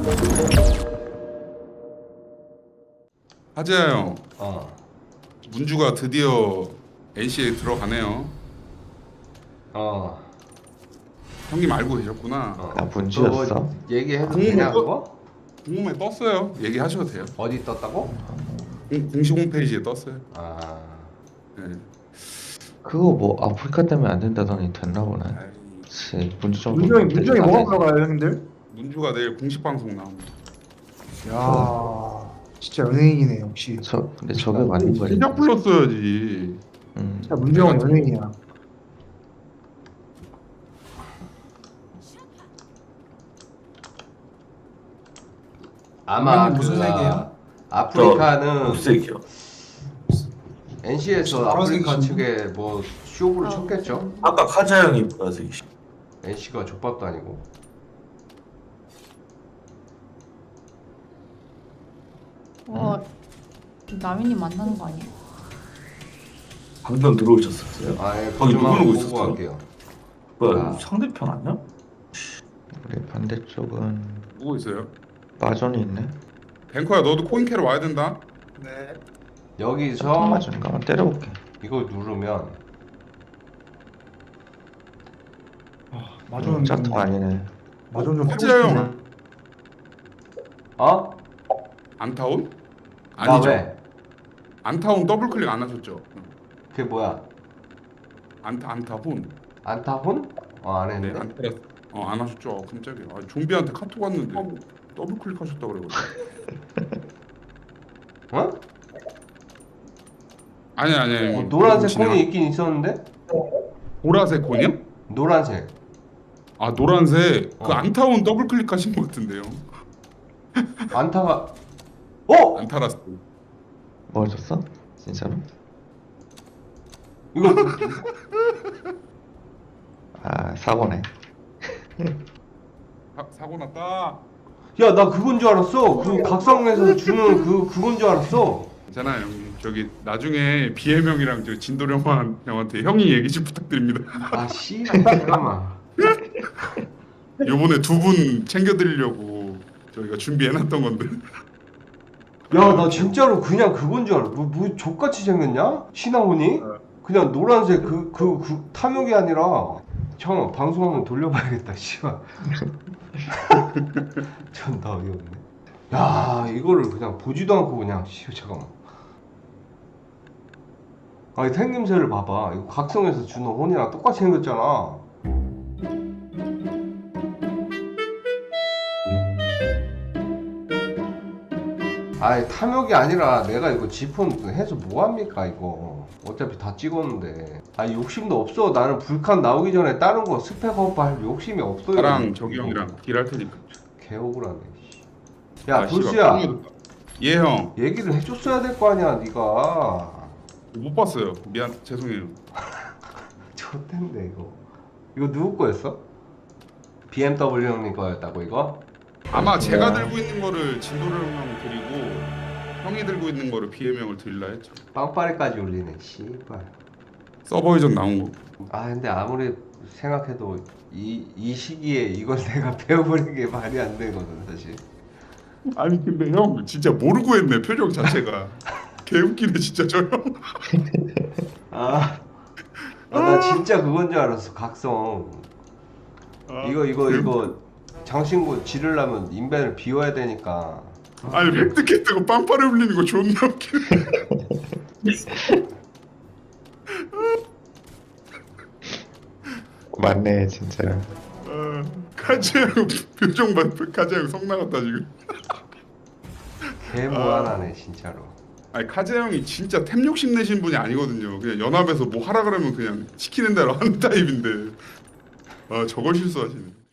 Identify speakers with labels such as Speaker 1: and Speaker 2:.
Speaker 1: 하재야 형,
Speaker 2: 어.
Speaker 1: 문주가 드디어 NC에 들어가네요.
Speaker 2: 어.
Speaker 1: 형님 알고 계셨구나.
Speaker 3: 나 문주였어?
Speaker 2: 뭐 얘기해도
Speaker 1: 공무원
Speaker 2: 되냐
Speaker 1: 또-
Speaker 2: 그거?
Speaker 1: 공문에 떴어요. 얘기하셔도 돼요.
Speaker 2: 어디 떴다고?
Speaker 1: 공식 홈페이지에 떴어요.
Speaker 2: 아.
Speaker 1: 네.
Speaker 3: 그거 뭐 아프리카 때문에 안 된다더니 됐나 보네.
Speaker 1: 아이,
Speaker 3: 그치, 문주 정도
Speaker 4: 문정이 뭐가 들어가요 형님들?
Speaker 1: 문주가 내일 공식 방송 나옵니다.
Speaker 4: 야 진짜 연예인이네 역시.
Speaker 3: 근데 저게 맞는 거지.
Speaker 1: 시작 불렀어야지.
Speaker 4: 진짜 문정은 연예인이야.
Speaker 2: 아마
Speaker 5: 무슨
Speaker 2: 그
Speaker 5: 색이에요?
Speaker 2: 아프리카는
Speaker 5: 녹색이요.
Speaker 2: NC에서 아프리카
Speaker 5: 보라색이신데?
Speaker 2: 측에 뭐 쇼부를 쳤겠죠?
Speaker 5: 아까 카자 형이 보라색이시.
Speaker 2: NC가 족밥도 아니고.
Speaker 6: 와, 남인이 만나는 거 아니야?
Speaker 5: 방금 들어오셨었어요?
Speaker 2: 아예
Speaker 5: 거기
Speaker 2: 좀
Speaker 5: 누구
Speaker 2: 한번
Speaker 5: 누구
Speaker 2: 보고
Speaker 5: 있었어?
Speaker 2: 갈게요.
Speaker 5: 뭐야
Speaker 2: 아.
Speaker 5: 상대편 아니야?
Speaker 3: 우리 반대쪽은
Speaker 1: 누구 있어요?
Speaker 3: 마존이 있네.
Speaker 1: 뱅커야 너도 코인 캐러 와야 된다.
Speaker 4: 네.
Speaker 2: 여기서
Speaker 3: 마존인가? 한번 때려볼게.
Speaker 2: 이걸 누르면
Speaker 4: 마존
Speaker 3: 짜통 아니네.
Speaker 4: 마존 좀
Speaker 1: 하재야 형,
Speaker 2: 어?
Speaker 1: 안타운?
Speaker 2: 나
Speaker 1: 아니죠.
Speaker 2: 왜?
Speaker 1: 안타운 더블 클릭 안 하셨죠?
Speaker 2: 그게 뭐야?
Speaker 1: 안타혼.
Speaker 2: 안타혼? 안
Speaker 1: 네,
Speaker 2: 했는데?
Speaker 1: 안타라. 안 하셨죠? 깜짝이야. 아, 좀비한테 카톡 왔는데 더블 클릭하셨다 그래가지고.
Speaker 2: 어?
Speaker 1: 아니.
Speaker 2: 노란색
Speaker 1: 진행-
Speaker 2: 콘이 있긴 있었는데?
Speaker 1: 보라색 콘이요?
Speaker 2: 노란색.
Speaker 1: 아 노란색. 그
Speaker 2: 어.
Speaker 1: 안타운 더블 클릭하신 것 같은데요.
Speaker 2: 안타가 어?
Speaker 1: 안타라스.
Speaker 3: 뭐 줬어? 진짜로?
Speaker 2: 이거
Speaker 3: 아, 사고네.
Speaker 1: 사고 났다.
Speaker 2: 야 나 그건 줄 알았어. 그 각성에서 주는 그건 줄 알았어.
Speaker 1: 괜찮아요 형님. 저기 나중에 비해명이랑 저 진도령 형한테 형이 얘기 좀 부탁드립니다.
Speaker 2: 아 씨발 잠깐만.
Speaker 1: 요번에 두 분 챙겨드리려고 저희가 준비해놨던 건데.
Speaker 2: 야 나 진짜로 그냥 그건 줄 알아. 뭐 족같이 생겼냐? 신하훈이? 그냥 노란색 그 탐욕이 아니라 형 방송 한번 돌려봐야겠다. 씨발. 존나 어이없네. 야 이거를 그냥 보지도 않고 그냥 씨 잠깐만. 아니 생김새를 봐봐. 이거 각성에서 주는 혼이랑 똑같이 생겼잖아. 아니 탐욕이 아니라 내가 이거 지폰 해서 뭐합니까 이거 어차피 다 찍었는데 아니 욕심도 없어. 나는 불칸 나오기 전에 다른 거 스펙업 할 욕심이 없어요.
Speaker 1: 나랑 저기 형이랑 딜할 테니까.
Speaker 2: 개 억울하네. 야
Speaker 1: 아, 씨발,
Speaker 2: 불스야
Speaker 1: 똥이었다. 예 형.
Speaker 2: 얘기를 해줬어야 될 거 아니야 네가.
Speaker 1: 못 봤어요. 미안 죄송해요.
Speaker 2: 좋댄데 이거 누구 거였어? BMW 형님 거였다고 이거?
Speaker 1: 아마 제가 들고 있는 거를 진도령 형 드리고 형이 들고 있는 거를 비해명을 드릴라 했죠.
Speaker 2: 빵빠레까지 올리네 씨발.
Speaker 1: 서버 이전 나온 거.
Speaker 2: 아 근데 아무리 생각해도 이 시기에 이걸 내가 배워버리는 게 말이 안 되거든 사실.
Speaker 1: 아니 근데 형 진짜 모르고 했네 표정 자체가. 개웃기네 진짜 저 형.
Speaker 2: 나 진짜 그건 줄 알았어 각성. 이거 장신구 지르려면 인벤을 비워야 되니까.
Speaker 1: 아니 획득했다고 빵빠레 울리는 거 존나 웃기네.
Speaker 3: 맞네, 진짜.
Speaker 1: 카즈형 표정 봐. 카즈형 성 나갔다 지금.
Speaker 2: 개무한하네 진짜로.
Speaker 1: 아니 카즈 형이 진짜 템 욕심 내신 분이 아니거든요. 그냥 연합에서 뭐 하라 그러면 그냥 시키는 대로 하는 타입인데. 아 저걸 실수하시네.